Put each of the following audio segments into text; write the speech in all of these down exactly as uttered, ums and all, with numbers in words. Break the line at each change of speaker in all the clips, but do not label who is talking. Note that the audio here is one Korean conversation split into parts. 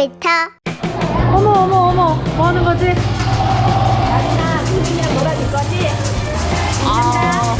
놀이터.
어머 어머 어머 뭐 하는 거지?
나리나 구름이랑 놀아줄 거지?
아,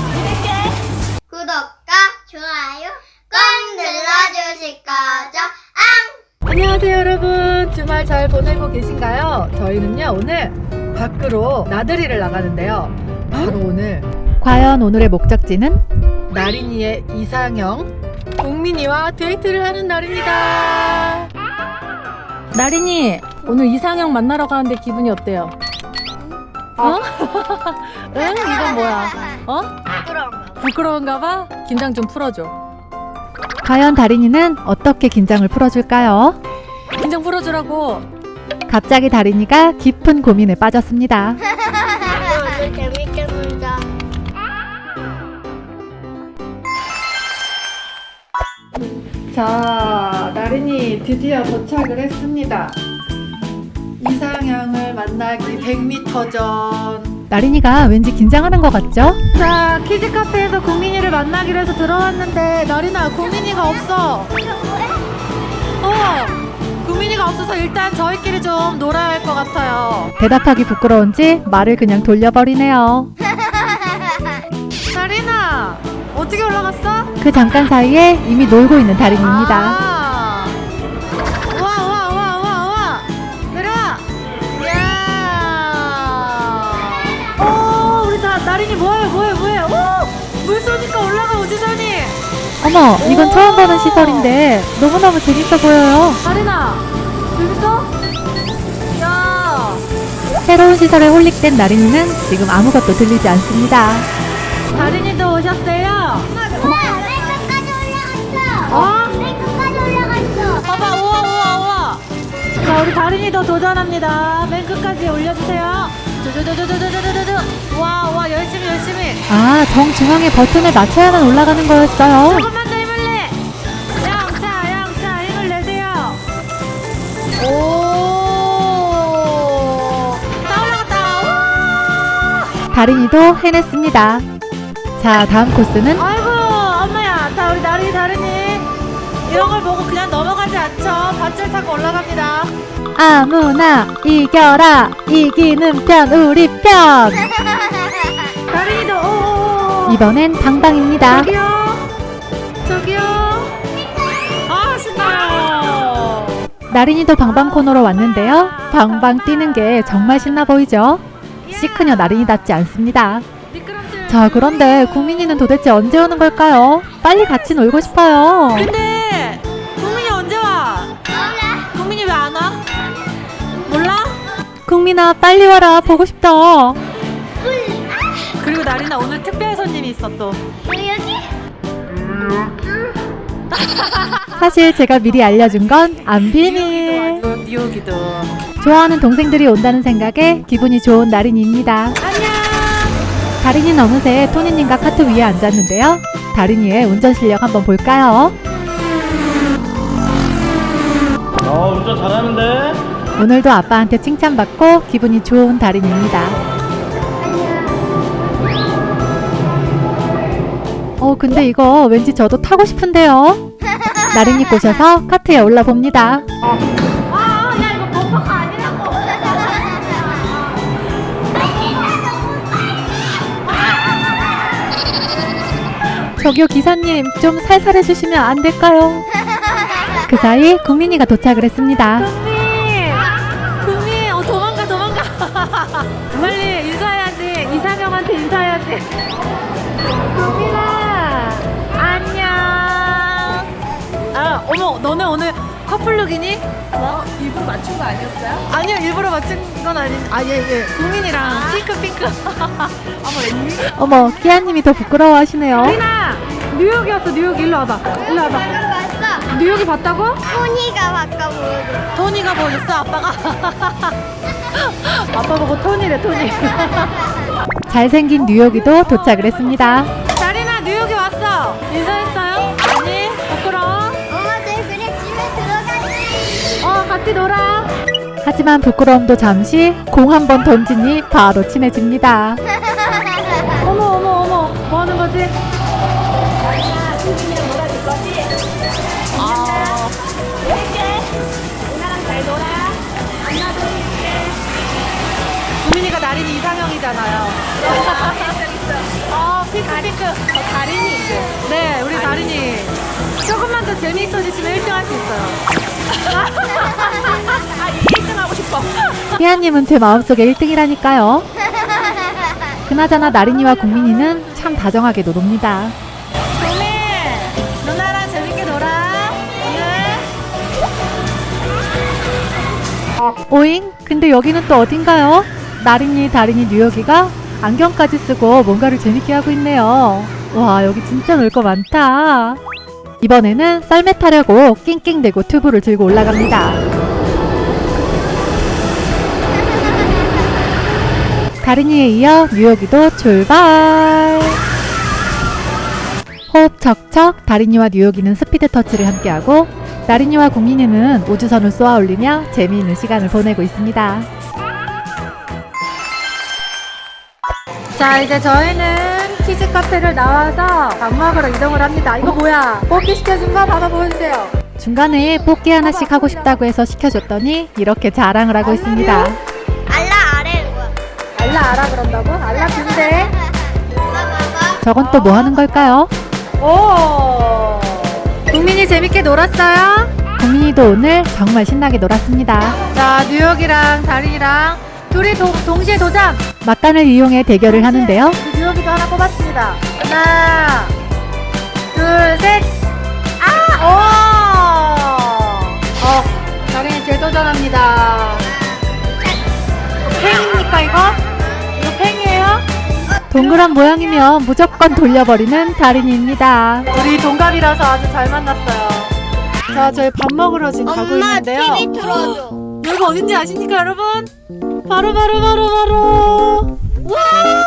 구독과 좋아요 꼭 눌러주실 거죠? 앙!
안녕하세요 여러분, 주말 잘 보내고 계신가요? 저희는요 오늘 밖으로 나들이를 나가는데요. 바로 오늘, 과연 오늘의 목적지는 나린이의 이상형 국민이와 데이트를 하는 날입니다. 나린이, 오늘 이상형 만나러 가는데 기분이 어때요? 어? 응? 이건 뭐야? 어?
부끄러운가?
부끄러운가 봐? 긴장 좀 풀어줘. 과연 다린이는 어떻게 긴장을 풀어줄까요? 긴장 풀어주라고. 갑자기 다린이가 깊은 고민에 빠졌습니다.
오늘 재밌게 놀자.
자, 나린이 드디어 도착을 했습니다. 이상형을 만나기 백 미터 전. 나린이가 왠지 긴장하는 것 같죠? 자, 키즈 카페에서 국민이를 만나기로 해서 들어왔는데 나린아, 국민이가 없어. 어, 국민이가 없어서 일단 저희끼리 좀 놀아야 할 것 같아요. 대답하기 부끄러운지 말을 그냥 돌려버리네요. 나린아, 어떻게 올라갔어? 그 잠깐 사이에 이미 놀고 있는 다린이입니다. 아, 와, 와, 와, 와, 와. 내려와. 이야. 오, 우리 다, 나린이 뭐해, 뭐해, 뭐해. 오, 물 쏘니까 올라가, 우주선이. 어머, 이건 처음 보는 시설인데 너무너무 재밌어 보여요. 나린아, 재밌어? 야. 새로운 시설에 홀릭된 나린이는 지금 아무것도 들리지 않습니다. 다린이도 오셨어요?
엄마, 맨끝까지 올라갔어.
어?
맨끝까지 올라갔어.
봐봐, 우와, 우와, 우와. 자, 우리 다린이도 도전합니다. 맨 끝까지 올려주세요. 두두두두두두두두. 와, 와, 열심히, 열심히. 아, 정중앙에 버튼을 맞춰야만 올라가는 거였어요. 조금만 더 힘을 내. 양차, 양차, 힘을 내세요. 오. 다 올라갔다. 우와. 다린이도 해냈습니다. 자, 다음 코스는, 아이고 엄마야, 자, 우리 나린이 다린이 이런 걸 보고 그냥 넘어가지 않죠. 밧줄 타고 올라갑니다. 아무나 이겨라, 이기는 편 우리 편. 다린이도 오오오. 이번엔 방방입니다. 저기요, 저기요. 아, 신나요. 나린이도 방방 코너로 왔는데요. 방방 뛰는 게 정말 신나 보이죠? 시크녀 나린이답지 않습니다. 자, 그런데 국민이는 도대체 언제 오는 걸까요? 빨리 같이 놀고 싶어요. 근데 국민이 언제 와?
몰라.
국민이 왜 안 와? 몰라? 국민아, 빨리 와라, 보고 싶다. 그리고 나린아, 오늘 특별 손님이 있어 또.
여기?
사실 제가 미리 알려준 건 안 비밀. 뉴욕이도. 좋아하는 동생들이 온다는 생각에 기분이 좋은 나린이입니다. 안녕. 다린이는 어느새 토니님과 카트 위에 앉았는데요. 다린이의 운전 실력 한번 볼까요?
어, 운전 잘하는데?
오늘도 아빠한테 칭찬받고 기분이 좋은 다린이입니다. 어, 근데 이거 왠지 저도 타고 싶은데요. 나린이 꼬셔서 카트에 올라봅니다.
아, 야, 이거 범퍼가 아니라고.
저기요, 기사님, 좀 살살 해주시면 안 될까요? 그 사이 국민이가 도착을 했습니다. 국민! 국민! 어, 도망가, 도망가! 빨리 인사해야지. 이상형한테 인사해야지. 국민아! 안녕! 아, 어머, 너네 오늘 커플룩이니?
어? 일부러 맞춘 거 아니었어요?
아니요, 일부러 맞춘 건 아니. 아, 예, 예. 국민이랑 핑크, 핑크.
어머, 웬일?
어머, 끼아님이 더 부끄러워하시네요.
리나! 뉴욕이었어, 뉴욕. 일로 와봐. 일로 와봐.
봤어.
뉴욕이 봤다고?
토니가 바꿔 보여줘.
토니가 보였어, 아빠가. 아빠 보고 토니래, 토니. 잘생긴 뉴욕이도 도착을 했습니다. 다리나, 뉴욕이 왔어. 인사했어요? 아니, 부끄러워.
엄마들 그래 집에 들어가지.
어, 같이 놀아. 하지만 부끄러움도 잠시 공 한 번 던지니 바로 친해집니다. 어머, 어머, 어머. 뭐 하는 거지?
나리나 구름이랑 놀아줄 거지?
아,
이렇게. 누나랑 다린이 이제.
네, 우리 다린이 조금만 더 재미있어지시면 일 등 할 수 있어요.
아, 일 등 하고 싶어.
희아님은 제 마음속에 일 등이라니까요. 그나저나 나린이와 국민이는 참 다정하게 노놉니다.
국민, 누나랑 재밌게 놀아. 오늘.
오잉? 근데 여기는 또 어딘가요? 나린이, 다린이, 뉴욕이가 안경까지 쓰고 뭔가를 재밌게 하고 있네요. 와, 여기 진짜 놀 거 많다. 이번에는 썰매 타려고 낑낑대고 튜브를 들고 올라갑니다. 다린이에 이어 뉴욕이도 출발! 호흡 척척 다린이와 뉴욕이는 스피드 터치를 함께하고 나린이와 국민이는 우주선을 쏘아 올리며 재미있는 시간을 보내고 있습니다. 자, 이제 저희는 키즈 카페를 나와서 밥 먹으러 이동을 합니다. 이거 뭐야? 뽑기 시켜준 거 봐봐 보여주세요. 중간에 뽑기 하나씩 하고 싶다고 해서 시켜줬더니 이렇게 자랑을 하고 있습니다.
알라 아래 뭐야?
알라 알아 그런다고? 알라 준대.
봐봐.
저건 또 뭐 하는 걸까요? 오! 국민이 재밌게 놀았어요? 국민이도 오늘 정말 신나게 놀았습니다. 자, 뉴욕이랑 다린이랑 둘이 도, 동시에 도전! 막간을 이용해 대결을 하는데요. 뉴욕이도 하나 뽑았습니다. 하나, 둘, 셋! 아! 오! 어, 다린이 재도전합니다. 팽입니까, 이거? 이거 팽이에요? 동그란 모양이면 무조건 돌려버리는 다린이입니다. 우리 동갑이라서 아주 잘 만났어요. 자, 저희 밥 먹으러 지금 가고
엄마
있는데요.
티비 틀어줘.
여기가 어딘지 아십니까, 여러분? 바로 바로 바로 바로. 와!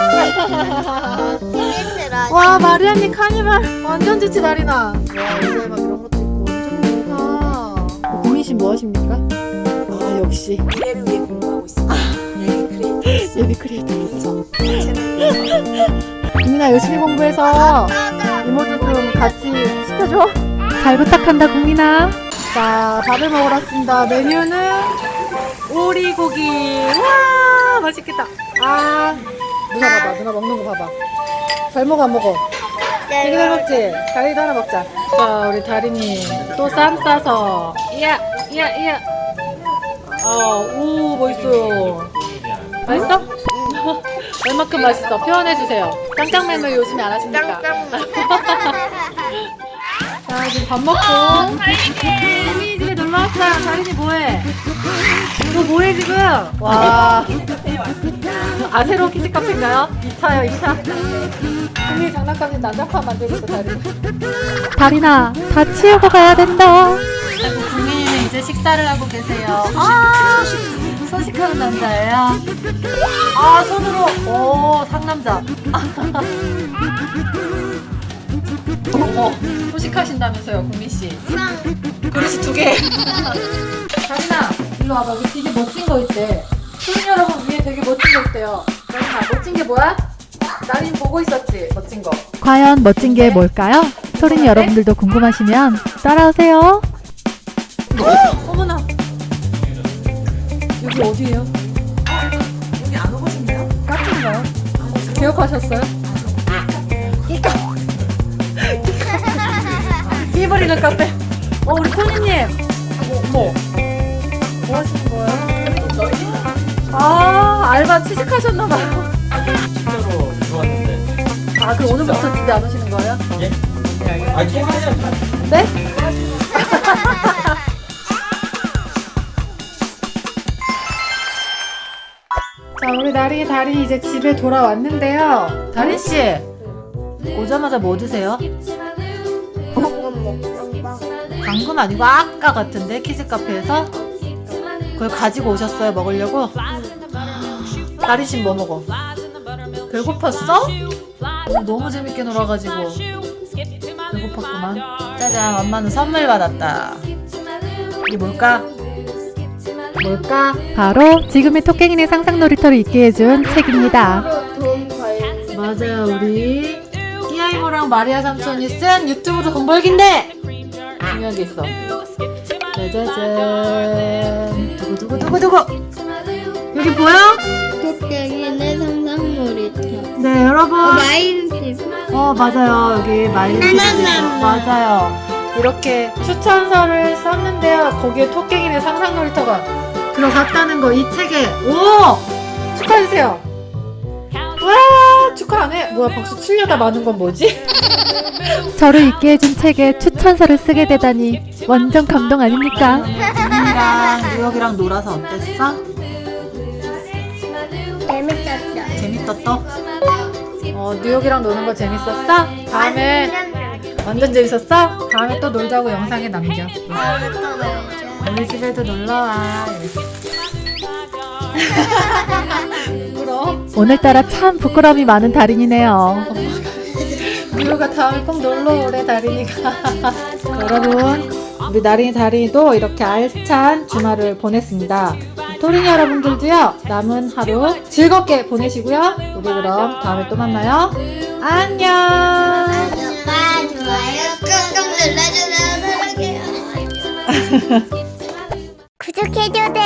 티비 틀어줘.
와, 마리아님 카니발 완전 좋지, 다린아. 와, 요새 막 이런 것도 있고 완전 좋다. 국민 씨 뭐 하십니까? 아, 역시
미래를 위해 공부하고 있습니다. 예비 크리에이터.
예비 크리에이터였어. 국민아, 열심히 공부해서 이모도 좀 같이 시켜줘. 잘 부탁한다, 국민아. 자, 밥을 먹으러 왔습니다. 메뉴는 오리고기. 와, 맛있겠다. 아, 누나 봐봐, 누나 먹는 거 봐봐. 잘 먹어, 안 먹어? 되게 잘 먹지? 다리도 하나 먹자. 자, 우리 다린이 또 쌈 싸서. 이야, 이야, 이야. 어, 오, 멋있어요. 맛있어? 얼마큼 맛있어? 표현해주세요. 짱짱맨을 요즘에 안 하십니까? 자, 지금 밥 먹고 국민이 집에 놀러 왔어요. 다린이 뭐해? 너 뭐해 지금? 와. 아, 새로운 키즈 카페인가요? 이 차요, 이 차. 국민이 장난감이 난장판 만들고 있어, 다린이. 다린아, 다 치우고 가야 된다. 국민이는 이제 식사를 하고 계세요. 아, 소식하는 남자예요. 아, 손으로. 오, 상남자. 어, 소식하신다면서요, 국민씨. 그릇이 두 개. 다린아, 일로 와봐. 여기 되게 멋진 거 있대. 소린 여러분 위에 되게 멋진 거 있대요. 다린아, 멋진 게 뭐야? 나린 보고 있었지, 멋진 거. 과연 멋진 게 뭘까요? 소린 여러분들도 궁금하시면 따라오세요. 어, 어머나. 여기 어디예요?
여기 안 오고싶나요?
카페인가요? 기억하셨어요? 끼부리는 카페. 어, 우리 토니님. 어머. 뭐 하시는 거예요? 아, 알바 취직하셨나봐요.
진짜로 들어왔는데.
아, 그럼 오늘부터 집에 안 오시는 거예요?
예? 아, 이게 하냐?
네? 자, 우리 나린이 다린이 이제 집에 돌아왔는데요. 다린 씨, 오자마자 뭐 드세요? 방금 아니고 아까 같은데 키즈 카페에서 그걸 가지고 오셨어요, 먹으려고? 다린 씨 뭐 먹어? 배고팠어? 오늘 너무 재밌게 놀아가지고 배고팠구만. 짜잔, 엄마는 선물 받았다. 이게 뭘까? 뭘까? 바로 지금의 토깽이네 상상 놀이터를 있게 해준 책입니다. 맞아요, 우리 끼아이모랑 마리아 삼촌이 쓴 유튜브로 돈 벌기인데 중요한 게 있어. 짜자잔. 두구두구두구두구. 여기 보여?
토끼네 상상놀이터.
네, 여러분.
마일집.
어, 맞아요. 여기 마일리지
나나나나.
맞아요. 이렇게 추천서를 썼는데요. 거기에 토깽이네 상상놀이터가 들어갔다는 거 이 책에. 오! 축하해주세요. 와, 축하 안 해? 뭐야, 박수 치려다 마는 건 뭐지? 저를 읽게 해준 책에 추천서를 쓰게 되다니 완전 감동 아닙니까? 지민이랑 뉴욕이랑 놀아서 어땠어?
재밌었어.
재밌었어? 어, 뉴욕이랑 노는 거 재밌었어? 다음에 완전 재밌었어? 다음에 또 놀자고 영상에 남겨.
다음에 또 놀자.
우리 집에도 놀러와. 부끄러워? 오늘따라 참 부끄러움이 많은 달인이네요. 뉴욕아 다음에 꼭 놀러오래 다린이가. 여러분 우리 나린이 다린이도 이렇게 알찬 주말을 보냈습니다. 토린이 여러분들도요 남은 하루 즐겁게 보내시고요. 우리 그럼 다음에 또 만나요. 안녕.
구독과 좋아요 꾹꾹 눌러주세요. 사랑해요. 구독해줘.